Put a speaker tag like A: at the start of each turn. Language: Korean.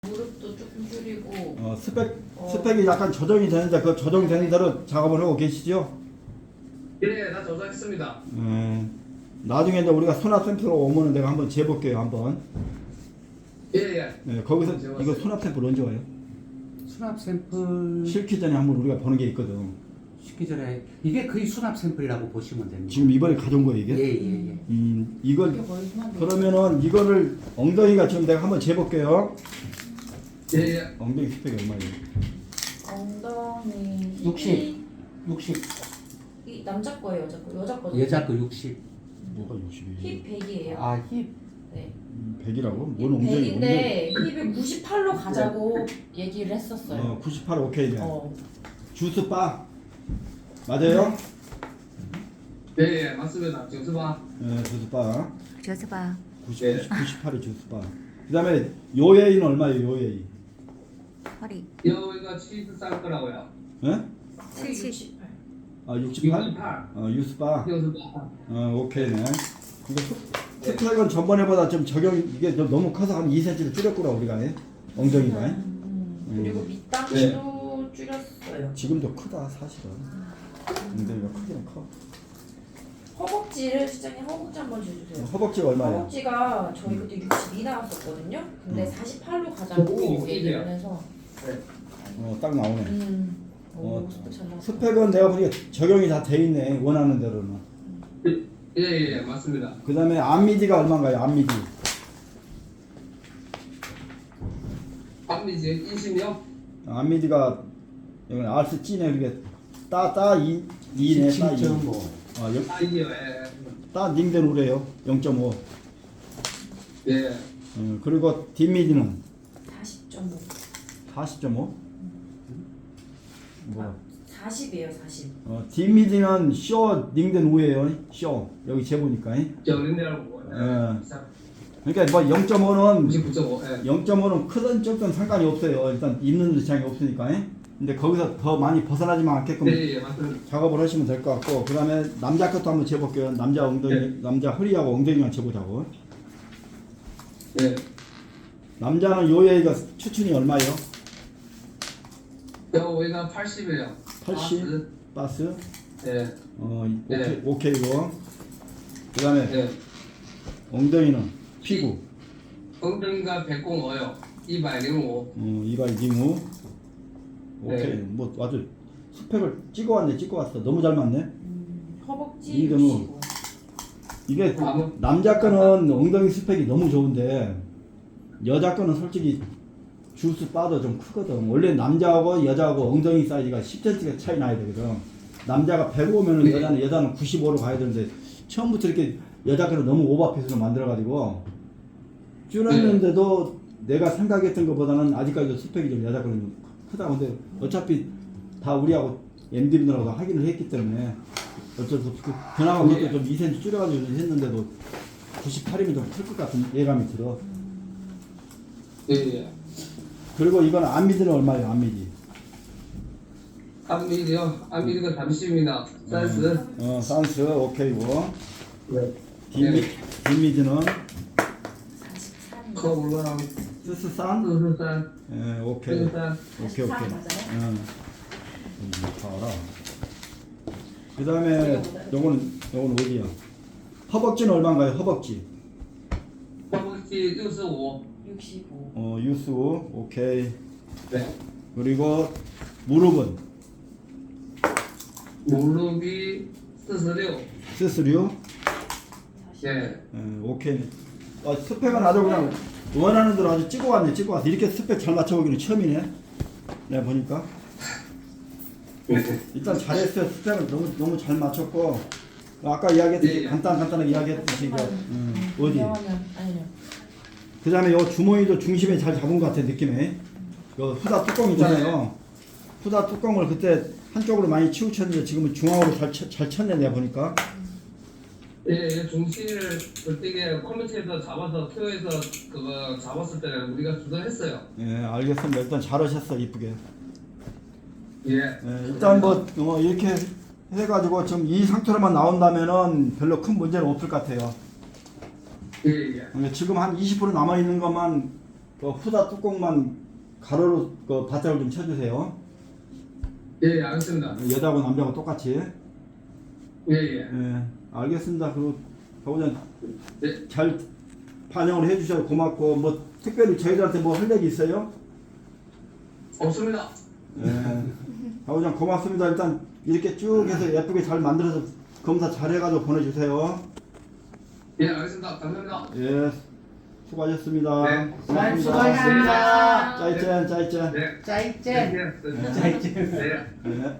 A: 무릎도 조금 줄이고.
B: 스펙이 약간 조정이 되는데 그 조정되는 대로 작업을 하고 계시죠?
C: 예, 다 조작했습니다.
B: 나중에 이제 우리가 수납 샘플로 오면은 내가 한번 재볼게요 한번.
C: 예.
B: 거기서
C: 재봤어요.
B: 이거 수납 샘플 언제 와요?
D: 수납 샘플
B: 실기 전에 한번 우리가 보는 게 있거든.
D: 시기 전에 이게 거의 수납 샘플이라고 보시면 됩니다.
B: 지금 이번에 가져온 거예요 이게?
D: 예예예.
B: 이걸
A: 이게 거의 수납이.
B: 그러면은 이거를 엉덩이가 지금 내가 한번 재볼게요.
C: 예.
B: 엉덩이 스펙이 얼마예요?
A: 엉덩이
D: 60.
A: 이 남자 거예요, 여자 거? 여자 거죠?
D: 여자 거 60.
B: 뭐가 60이에요?
A: 힙 100이에요.
D: 아 힙.
A: 네.
B: 100이라고? 뭔
A: 힙
B: 엉덩이?
A: 100인데 힙을 98로 가자고 얘기를 했었어요.
B: 98 오케이네.
A: 어.
B: 주스 바 맞아요?
C: 예, 맞습니다. 정수봐.
B: 주스 바.
E: 줘봐.
B: 98이 주스 바. 그다음에 요예이는 얼마예요? 요예이?
E: 허리.
C: 여기가 치즈 쌀 거라고요.
B: 예?
A: 68.
B: 68?
C: 68.
B: 유스바.
C: 정수봐.
B: 오케이네. 이거 스펙은 전번에보다 좀 적용 이게 좀 너무 커서 한 2cm를 줄였구나 우리가 엉덩이가.
A: 그리고 밑단도 줄였어요.
B: 지금도 크다 사실은. 엉덩이가 크기는 커.
A: 허벅지를 시장님 허벅지 한번 주세요.
B: 허벅지가 얼마예요?
A: 허벅지가 저희 그때 62 나왔었거든요. 근데 48로
C: 어,
A: 가자고 얘기를 해서.
B: 딱 나오네.
A: 스펙 잘 나왔어.
B: 스펙은 내가 보니까 적용이 다 돼 있네 원하는 대로는.
C: 예, 맞습니다.
B: 그다음에 암미디가 얼마인가요? 암미디.
C: 밤이지 20요?
B: 암미디가 여기 알스 찌네 이렇게 따따 2네 따 2.
D: 17.5.
C: 아이디어, 예.
B: 따 닝된 우래요 0.5.
C: 예.
B: 그리고 뒷미디는
A: 40.5.
B: 40.5. 뭐야?
A: 40이에요, 40.
B: 뒷미디는 쇼 닝된 우예요. 쇼 여기 재보니까.
C: 저린데라고.
B: 그러니까 뭐 0.5는
C: 99.5. 예.
B: 0.5는 크든 적든 상관이 없어요. 일단 있는 지장이 없으니까. 근데 거기서 더 많이 벗어나지만 않게끔
C: 예, 맞습니다.
B: 작업을 하시면 될 것 같고, 그 다음에 남자 것도 한번 재볼게요. 남자 엉덩이,
C: 네.
B: 남자 허리하고 엉덩이만 재보자고.
C: 예.
B: 남자는 요예가 추천이 얼마예요?
C: 여기가 80이에요.
B: 80? 바스?
C: 예.
B: 오케이, 오케이고. 그 다음에
C: 예.
B: 엉덩이는 피구.
C: 엉덩이가 105요. 205.
B: 이발 징후. 오케이.
C: 네.
B: 뭐 아주 스펙을 찍어왔네, 찍어왔어. 너무 잘 맞네.
A: 허벅지
B: 이거는
A: 65.
B: 이게 남자 거는 엉덩이 스펙이 너무 좋은데 여자 거는 솔직히 주스 바도 좀 크거든. 원래 남자하고 여자하고 엉덩이 사이즈가 10cm가 차이 나야 되거든. 남자가 105면은
C: 네.
B: 여자는 95로 가야 되는데 처음부터 이렇게 여자 거는 너무 오버핏으로 만들어가지고 줄였는데도 내가 생각했던 것보다는 아직까지도 스펙이 좀 여자 거는 크다. 근데 어차피 다 우리하고 MD분들하고 확인을 했기 때문에 어쩔 수 없고 그나마 그것도 좀 2cm 줄여가지고 했는데도 98이면 좀 클 것 같은 예감이 들어.
C: 예.
B: 그리고 이건 암미디는 얼마예요? 암미디.
C: 암미디요. 암미디가 30입니다. 사이즈.
B: 산스 오케이고.
C: 네.
B: 뒷미디는
A: 43.
C: 커 올라가면
B: 스스산.
C: 수술산.
B: 오케이.
C: 수술산.
B: 오케이.
A: 43 맞아요?
B: 다 알아. 그 다음에 요거는 어디야? 허벅지는 얼마인가요? 허벅지.
C: 허벅지 65.
A: 65.
B: 유수 오케이.
C: 네.
B: 그리고 무릎은
C: 무릎이 46.
B: 스스류.
C: 예.
B: 오케이. 스펙은 아주 그냥 원하는 대로 아주 찍어왔네. 찍어왔어. 이렇게 스펙 잘 맞춰보기는 처음이네. 내가 보니까. 일단 잘했어요. 스펙을 너무 잘 맞췄고 아까 이야기했듯이
C: 예.
B: 간단하게 이야기했듯이 이거 어디.
A: 아니요.
B: 그 다음에 요 주머니도 중심에 잘 잡은 것 같아 느낌에. 요 후다 뚜껑 있잖아요. 후다 뚜껑을 그때 한쪽으로 많이 치우쳤는데 지금은 중앙으로 잘 쳤네 내가 보니까.
C: 예, 중심을 그때 컴퓨터에서 잡아서 큐에서 그거 잡았을 때는 우리가 조절했어요.
B: 예, 알겠습니다. 일단 잘하셨어 이쁘게.
C: 예.
B: 일단 뭐 이렇게 해가지고 지금 이 상태로만 나온다면은 별로 큰 문제는 없을 것 같아요.
C: 예.
B: 지금 한 20% 남아 있는 것만 그 후다 뚜껑만 가로로 그 바짝을 좀 쳐주세요.
C: 예, 알겠습니다.
B: 여자하고 남자하고 똑같이.
C: 예, 예.
B: 예, 알겠습니다. 그리고 가보자.
C: 네.
B: 잘 반영을 해주셔서 고맙고 뭐 특별히 저희들한테 뭐 할 얘기 있어요?
C: 없습니다.
B: 예, 가보자. 고맙습니다. 일단 이렇게 쭉 해서 예쁘게 잘 만들어서 검사 잘 해가지고 보내주세요.
C: 예, 알겠습니다. 감사합니다.
B: 예, 수고하셨습니다.
C: 네.
D: 수고하셨습니다.
B: 짜이짠 짜이짠.
C: 네.
D: 짜이짠.
C: 네.
D: 짜이짠.
C: 네.
B: 예.